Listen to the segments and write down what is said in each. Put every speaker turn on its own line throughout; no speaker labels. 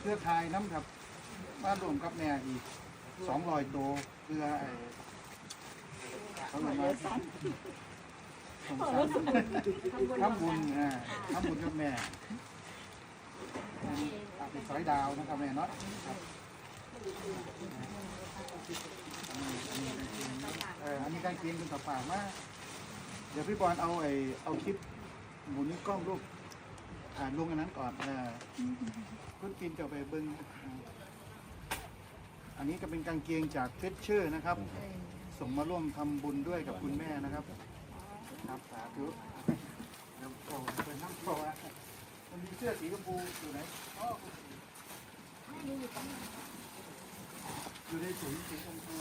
เครือข่ายน้ำครับมารวมกับแม่อีก200 ตัวเพื่อเขาเลยมาส่งสารทำบุญทำบุญกับแม่เป็นสอยดาวนะครับแม่เนาะครับอันนี้การเกณฑ์เป็นต่อปากว่าเดี๋ยวพี่บอลเอาคลิปหมุนกล้องรูปลงอันนั้นก่อนคุณปินจะไปเบิ้งอันนี้ก็เป็นกางเกงจากเฟชเชอร์นะครับส่งมาร่วมทำบุญด้วยกับคุณแม่นะครับครับสาธุน้ำโตเป็นน้ำโตมันมีเสื้อสีชมพูอยู่ไหนอยู่ในถุงสีชมพู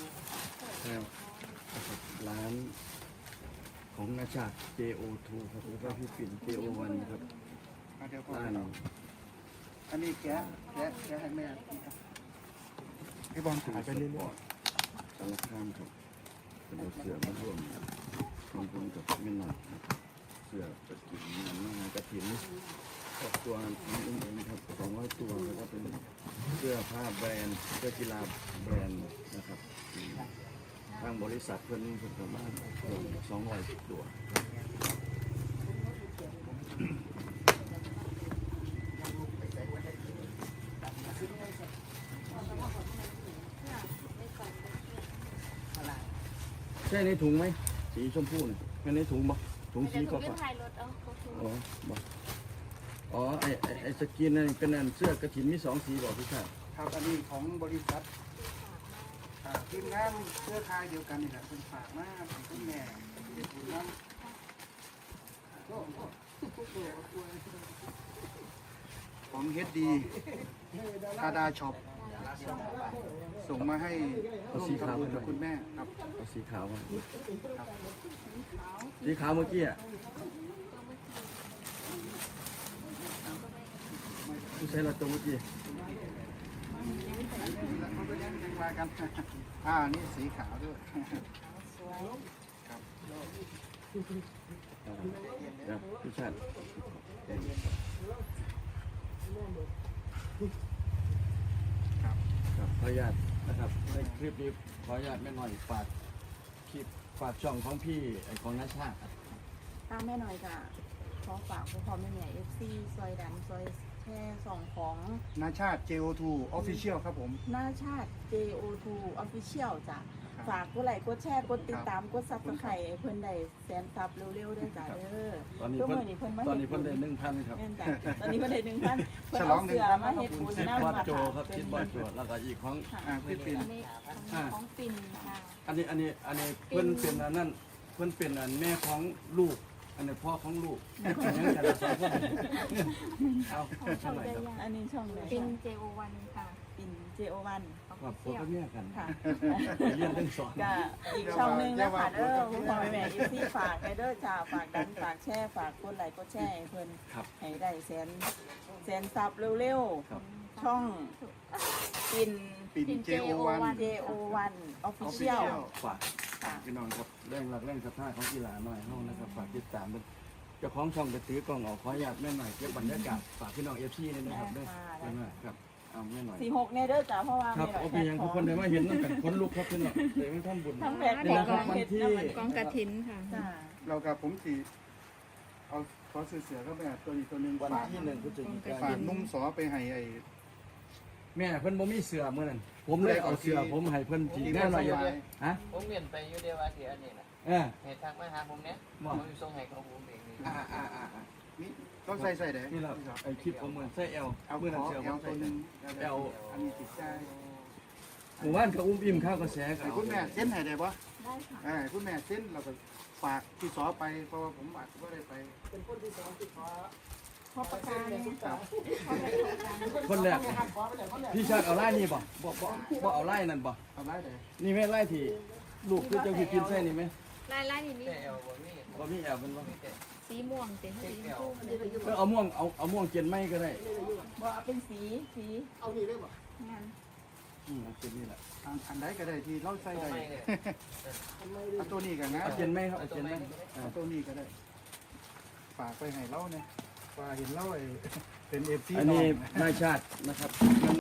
ร้านของนาชาติ JO2 ครับแล้วก็พี่ปิ่น JO1 ครับร้าน
อันนี้แกะให้แม่พี่บอลถ่ายไปเรื่อย
ๆสารคามครับเป็นเสือมาร่วมทำบุญกับแม่หน่อยเสือกระถิ่นงานกระถิ่นครอบครัวนี้เองครับ200 ตัวแล้วก็เป็นเสื้อผ้าแบรนด์เสื้อกีฬาแบรนด์นะครับทางบริษัทเพื่อนนี่ผมประมาณ200 ตัวใช่ในถุงไหมสีชมพูเนี่ยแค่ในถุงบ่ถุงสีก็ฝาอ๋อบ่อ๋อไอสกินนั่นเป็นอันเสื้อกระถิ่นมี2 สีบอกพี่ชาย
ครับอันนี้ของบริษัททีมงานเครือข่ายเดียวกันนี่แหละเป็นฝากมากเป็นคุณแม่เป็นคุณน้ำของเฮดดีคาดาช็อปส่งมาให้ร่วมทำบุญกับคุณแม่ครับ
เอาสีขาวมาสีขาวเมื่อกี้อ่ะผู้ใช้ละตัวเมื่อกี้
มากันนี่สีขาวด้วย
ครับพี่ชาติครับขออนุญาตนะครับในคลิปนี้ขออนุญาตแม่หน่อยฝากคลิปฝากช่องของพี่ของนาชาติ
ตามแม่หน่อยค่ะขอฝากพ่อแม่FC ซอยดำซอยแช่ส่องของ
นาชาติ JO2 Official ครับผม
นาชาติ JO2 Official จ้ะฝากกดไลค์กดแชร์กดติดตามกดซับสไครต์เพิ่นได้แสนซับเร็วๆด้วยจ้ะ
ตอนนี้เพิ่นได้1,000ครับ
ตอนนี้เพิ่นได้1,000เพิ่นเอาเสือมาเฮ็ดบุญ
น้ำมาโจครับคิดบอลโจแล้วก็อีกของ
พี่ปิ่น
ของปิ่นค่ะ
อันนี้เพิ่นเป็นอันนั้นเพิ่นเป็นอันแม่ของลูกอันนี้พ่อของลูกยังกันละ2 คนเอาช่องไหนครับ
อันนี้ช่องไหน
ปิ่น JO1 ค่ะ
ปิ่น JO1
ครับผมก็เนี่ยกัน
ค่ะ
เรียนทั้ง2
ก็อีกช่องนึงนะคะพ่อแม่FCฝากให้เด้อจ้าฝากดันฝากแชร์ฝากกดไลค์กดแชร์ให้เพิ่นให้ได้แสนซับเร็วๆช่องปิ่น JO1 Official
ฝากพี่น้องครับแรงหลักแรงศรัทธาของกีฬาหน่อยเฮานะครับฝากติดตามเจ้าของช่องจะถือกล้องออกขออนุญาตแม่หน่อยเก็บบรรยากาศฝากพี่น้อง FC นี่นะครับด้วยครับเอาแม่หน่อย
46เนี่ยเด้อจ้าเพราะว่า
ครับโอเคยังทุกคนได้มาเห็นตั้งแต่คนลุกครับพี่น้องเลยไม่ทำบุญ
ทั้งแบบนี้
ครับวันที่
กองกฐินค่ะ
เรากับผมสีเอาขอเสือก็แบบตัวนี้ตัวนึง
วันที่1 พฤศจิกายน
ฝากนุ่มสอไปให้
แม่เพิ่นบ่มีเสือมื้อนั้นผมเลยเอาเสือผมให้เพิ่นจีแน่หน่อยฮะ
ผมเรียนไปอยู่เดียวว่าเสียอันนี้นะให้ทักมาหาผมเนี้ยผมอยู่ทรงให้ของผมเอง
นี่ต้องใส่เด้
นี่แหละไอ้คลิปผมเหมือนใส่เอล
เมื่อนั้นเสือผมตัวนึง
เอล
อันนี้ติดใจ
หมู่บ้านเขาอุ้มอิ่มข้าวกระแส
กับคุณแม่เส้นให้ได้ปะได้ค่ะคุณแม่เส้นเราก็ฝากที่สอไปเพราะว่าผมอาจจะไม่ได้ไปเป็นคนที่สองที่ขอ
พอประกาศ
คนแรกพี่ชาติเอาไล่นี่บ่เอาไล่นั่นบ่
เอาไล่เลย
นี่แม่ไล่ที่ลูกคือเจ้าพี่กินเส้นนี่ไหม
ไล่นี่
บ่มีแอบเป็นบ่
สีม่วงเป็นสีม่วง
ก็เอาม่วงเกียนไม่ก็ได้
บ่เอาเป็นสี
เอานี่ได้บ่
งั้น
เอาเกียนนี่แหละ
อันไหนก็ได้ที่เราใส่ได้เอาตัวนี้กันนะ
เอาเกียนไม่ครับเอาเกียนไม่
เอาตัวนี้ก็ได้ฝากไปให้เราเนี่ยว่าเห็นเล่าเป็นเอฟซี
อันนี้นายชาตินะครับ